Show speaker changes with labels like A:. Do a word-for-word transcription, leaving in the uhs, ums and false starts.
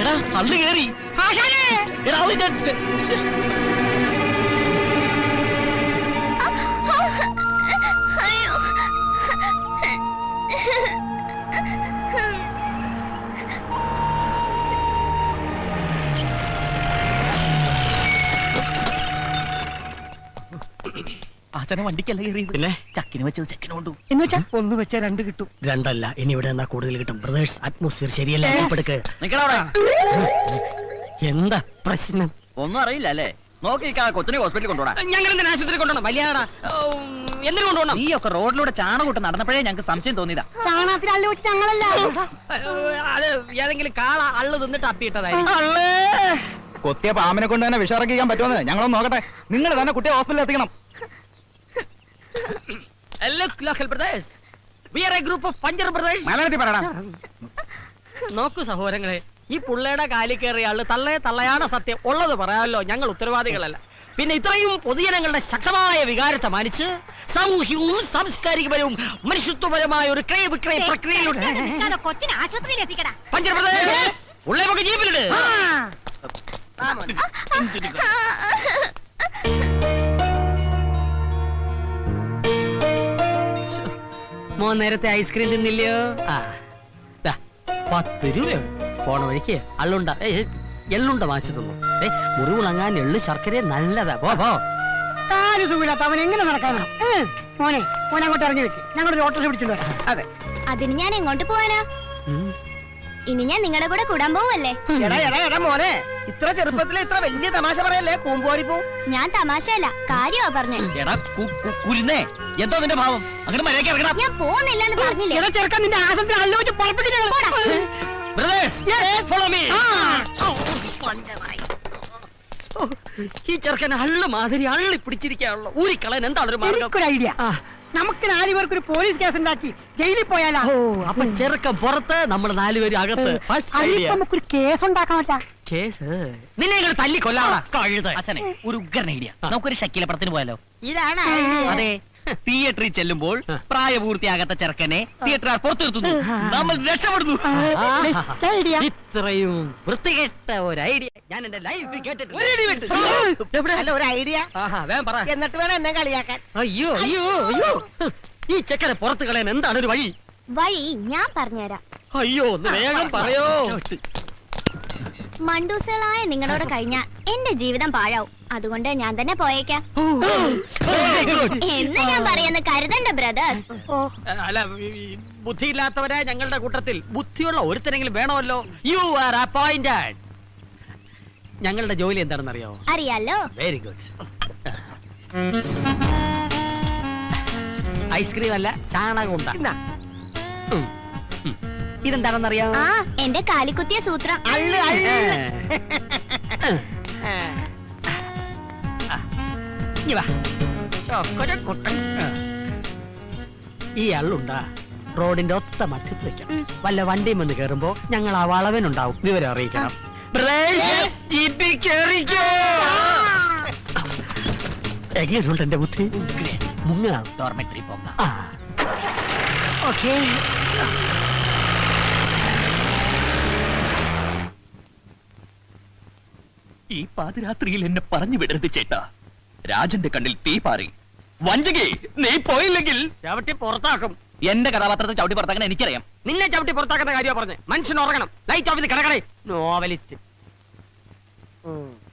A: അന്ന് കേറി അച്ഛനെ വണ്ടിക്കല്ല കയറിയത്, പിന്നെ ചക്കിന് വെച്ചത് ചെക്കിന് കൊണ്ടു എന്ന് വെച്ചാ ഒന്ന് വെച്ചാൽ രണ്ട് കിട്ടും.
B: രണ്ടല്ല, ഇനി ഇവിടെ എന്നാ കൂടുതൽ കിട്ടും. ബ്രദേഴ്സ്, അറ്റ്മോസ്ഫിയർ ശരിയല്ല. എന്താ പ്രശ്നം?
A: ഒന്നും അറിയില്ല അല്ലേ? നോക്കി കൊച്ചിനെ ഹോസ്പിറ്റലിൽ കൊണ്ടുപോകാം.
B: ഞങ്ങൾ എന്തിനാ ആശുപത്രി കൊണ്ടുപോകണം? വലിയാടാ, എന്തിനു കൊണ്ടുപോകണം?
A: ഈ ഒക്കെ റോഡിലൂടെ ചാണകൂട്ട് നടന്നപ്പോഴേ ഞങ്ങൾക്ക് സംശയം തോന്നിയതാ.
C: ചാണകത്തിൽ അള്ളു വെച്ച് ഞങ്ങളല്ല,
B: അത് ഏതെങ്കിലും കാള അള്ളു തിന്നിട്ട് അപ്പിയിട്ടതായിരിക്കും.
D: കൊത്തിയ പാമ്പിനെ കൊണ്ട് തന്നെ വിഷറക്കിക്കാൻ പറ്റുമെന്ന് ഞങ്ങളൊന്ന് നോക്കട്ടെ. നിങ്ങൾ തന്നെ കുട്ടിയെ ഹോസ്പിറ്റലിൽ എത്തിക്കണം.
B: നോക്കൂ സഹോദരങ്ങളെ, ഈ പുള്ളയുടെ കാലി കയറിയ ആള് തള്ളയെ തള്ളയാണ് സത്യം. ഉള്ളത് പറയാമല്ലോ, ഞങ്ങൾ ഉത്തരവാദികളല്ല. പിന്നെ ഇത്രയും പൊതുജനങ്ങളുടെ ശക്തമായ വികാരത്തെ മാനിച്ച് സാമൂഹ്യവും സാംസ്കാരികപരവും മനുഷ്യത്വപരമായ ഒരു ക്രയ വിക്രയ പ്രക്രിയയിലൂടെ
C: കൊച്ചിനെ ആശുപത്രിയിൽ എത്തിക്കടാ.
B: പഞ്ചപ്രദേശ് ഉള്ളേ നമുക്ക് ജീപ്പിലിട്. മോൻ നേരത്തെ ഐസ്ക്രീം തിന്നില്ലയോ? ആ പത്ത് രൂപയാണ്. പോണ വഴിക്ക് അള്ളുണ്ട എള്ളുണ്ട വാങ്ങിച്ചു തന്നു. ഏ മുറിവുളങ്ങാൻ എള്ളു ശർക്കര നല്ലതാ. പോ പോ.
C: കാല് സുഖമില്ലാത്ത അവൻ എങ്ങനെ നടക്കാനാ? മോനെ മോനെ അങ്ങോട്ട് ഇറങ്ങി വെക്ക്, ഞങ്ങളൊരു ഓട്ടോ പിടിച്ചിട്ട് വരാം.
A: അതെ,
E: അതിന് ഞാൻ എങ്ങോട്ട് പോവാനാ? ഇനി ഞാൻ നിങ്ങളുടെ കൂടെ കൂടാൻ പോവല്ലേ?
A: എടാ എടാ എടാ മോനെ, ഇത്ര ചെറുപ്പത്തിൽ ഇത്ര വലിയ തമാശ പറയല്ലേ. കൂമ്പോടി പോ.
E: ഞാൻ തമാശയല്ല, കാര്യമാ പറഞ്ഞേ.
A: എടാ കുരുന്നേ, എന്തോ നിന്റെ ഭാവം? അങ്ങോട്ട് മര്യാദയ്ക്ക് ഇറങ്ങണം.
E: ഞാൻ പോകുന്നില്ലെന്ന് പറഞ്ഞില്ലേ?
C: ചെറുക്കാൻ നിന്റെ ആശുപത്രി അള്ളു വെച്ച്
B: ഈ ചെറുക്കനെ അള്ളു മാതിരി അള്ളി പിടിച്ചിരിക്കാണല്ലോ. ഊരിക്കളയാൻ എന്താണ് ഒരു മാർഗം?
C: ഐഡിയ. നമുക്ക് നാലുപേർക്ക് ഒരു പോലീസ് കേസ് ഉണ്ടാക്കി ജയിലിൽ പോയാലോ?
B: അപ്പൊ ചെറുക്കൻ പുറത്ത്, നമ്മൾ നാലുപേരും അകത്ത്.
C: നമുക്കൊരു കേസ് ഉണ്ടാക്കാമല്ല.
B: കേസ് നിന്നെ ഇങ്ങനെ തല്ലി കൊല്ലാടാ കഴുത.
A: അച്ഛനെ ഒരു ഉഗ്രൻ ഐഡിയ. നമുക്കൊരു ശക്കീലപ്പുറത്തിന് പോയാലോ?
C: ഇതാണ്
A: അതെ, തിയേറ്ററിൽ ചെല്ലുമ്പോൾ പ്രായപൂർത്തിയാകാത്ത ചെറുക്കനെ തിയേറ്ററുകാർ പുറത്തു നിർത്തുന്നു, നമ്മൾ രക്ഷപ്പെടുന്നു.
B: ഇത്രയും വൃത്തികെട്ട ഒരു ഐഡിയ ഞാൻ എന്റെ ലൈഫിൽ കേട്ടിട്ടില്ല.
C: ഒരു ഐഡിയ
B: എന്നിട്ട് വേണം എന്നെ കളിയാക്കാൻ. അയ്യോ അയ്യോ അയ്യോ, ഈ ചെക്കനെ പുറത്ത് കളയാൻ എന്താണ് ഒരു വഴി?
E: വഴി ഞാൻ പറഞ്ഞുതരാം.
B: അയ്യോ ഒന്ന് വേഗം പറയോ.
E: മണ്ടൂസുകളായ നിങ്ങളോട് കഴിഞ്ഞ എന്റെ ജീവിതം പാഴാവും. അതുകൊണ്ട് ഞാൻ തന്നെ പോയേക്കാം എന്ന് ഞാൻ പറയുന്ന കരുതണ്ട ബ്രദേഴ്സ്.
B: അല്ല, ബുദ്ധിയില്ലാത്തവരായ ഞങ്ങളുടെ കൂട്ടത്തിൽ ബുദ്ധിയുള്ള ഒരുത്തരെങ്കിലും വേണമല്ലോ. You are appointed. ഞങ്ങളുടെ ജോലി എന്താണെന്ന് അറിയോ?
E: അറിയാലോ.
B: Very good. ഐസ്ക്രീം അല്ല, ചാണകം ഉണ്ടാ. ഇതെന്താണെന്നറിയാം?
E: ആ, എന്റെ കാലിക്കുത്തിയ സൂത്രം.
B: ഈ അള്ളുണ്ടാ റോഡിന്റെ ഒത്ത മറ്റത്ത് വെക്കണം. വല്ല വണ്ടിയും വന്ന് കേറുമ്പോ ഞങ്ങൾ ആ വളവനുണ്ടാവും, വിവരം അറിയിക്കണം. എങ്ങനെയുണ്ട് എന്റെ ബുദ്ധി? മുങ്ങ
A: ഡോർമെട്രി പോകാം.
B: ഓക്കേ.
A: ഈ പാതിരാത്രിയിൽ എന്നെ പറഞ്ഞു വിടരുത് ചേട്ടാ. രാജന്റെ കണ്ണിൽ തീ പാറി. വഞ്ചകി, നീ പോയില്ലെങ്കിൽ
B: ചവിട്ടി പുറത്താക്കും.
A: എന്റെ കഥാപാത്രത്തെ ചവിട്ടി പുറത്താക്കാൻ എനിക്കറിയാം.
B: നിന്നെ ചവിട്ടി പുറത്താക്കുന്ന കാര്യമാണ് പറഞ്ഞത്. മനുഷ്യൻ ഉറങ്ങണം. ലൈറ്റ് ഓഫ് ചെയ്ത് കിടക്കണേ. നോവലിസ്റ്റ്.